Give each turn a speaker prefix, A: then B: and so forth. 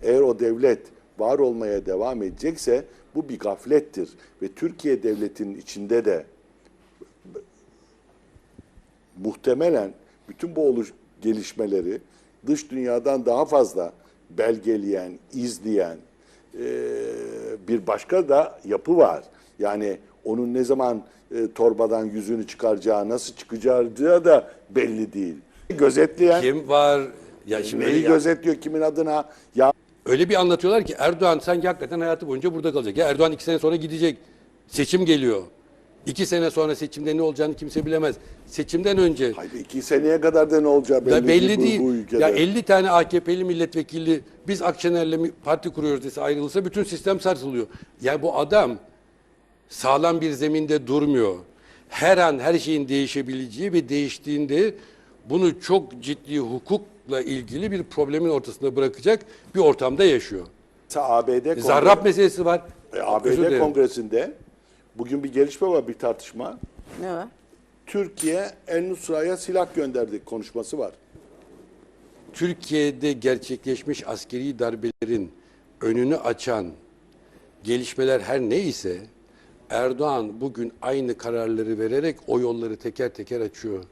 A: eğer o devlet var olmaya devam edecekse bu bir gaflettir. Ve Türkiye devletinin içinde de muhtemelen bütün bu gelişmeleri dış dünyadan daha fazla belgeleyen, izleyen bir başka da yapı var. Yani onun ne zaman torbadan yüzünü çıkaracağı, nasıl çıkacağı da belli değil. Gözetleyen
B: Kim var? Ya şimdi
A: neyi gözetliyor, kimin adına? Ya
B: öyle bir anlatıyorlar ki Erdoğan sanki hakikaten hayatı boyunca burada kalacak. Ya Erdoğan 2 sene sonra gidecek. Seçim geliyor. 2 sene sonra seçimde ne olacağını kimse bilemez. Seçimden önce
A: hayır, 2 seneye kadar da ne olacağı
B: belli
A: değil.
B: değil.
A: Bu ülkede.
B: Ya 50 tane AKP'li milletvekili biz Akşener'le parti kuruyoruz dese ayrılırsa bütün sistem sarsılıyor. Yani bu adam sağlam bir zeminde durmuyor. Her an her şeyin değişebileceği ve değiştiğinde bunu çok ciddi hukukla ilgili bir problemin ortasında bırakacak bir ortamda yaşıyor.
A: ABD
B: Zarrab meselesi var. Özür
A: ABD
B: dilerim.
A: Kongresinde bugün bir gelişme var, bir tartışma.
C: Ne var?
A: Türkiye El-Nusra'ya silah gönderdi konuşması var.
B: Türkiye'de gerçekleşmiş askeri darbelerin önünü açan gelişmeler her neyse Erdoğan bugün aynı kararları vererek o yolları teker teker açıyor.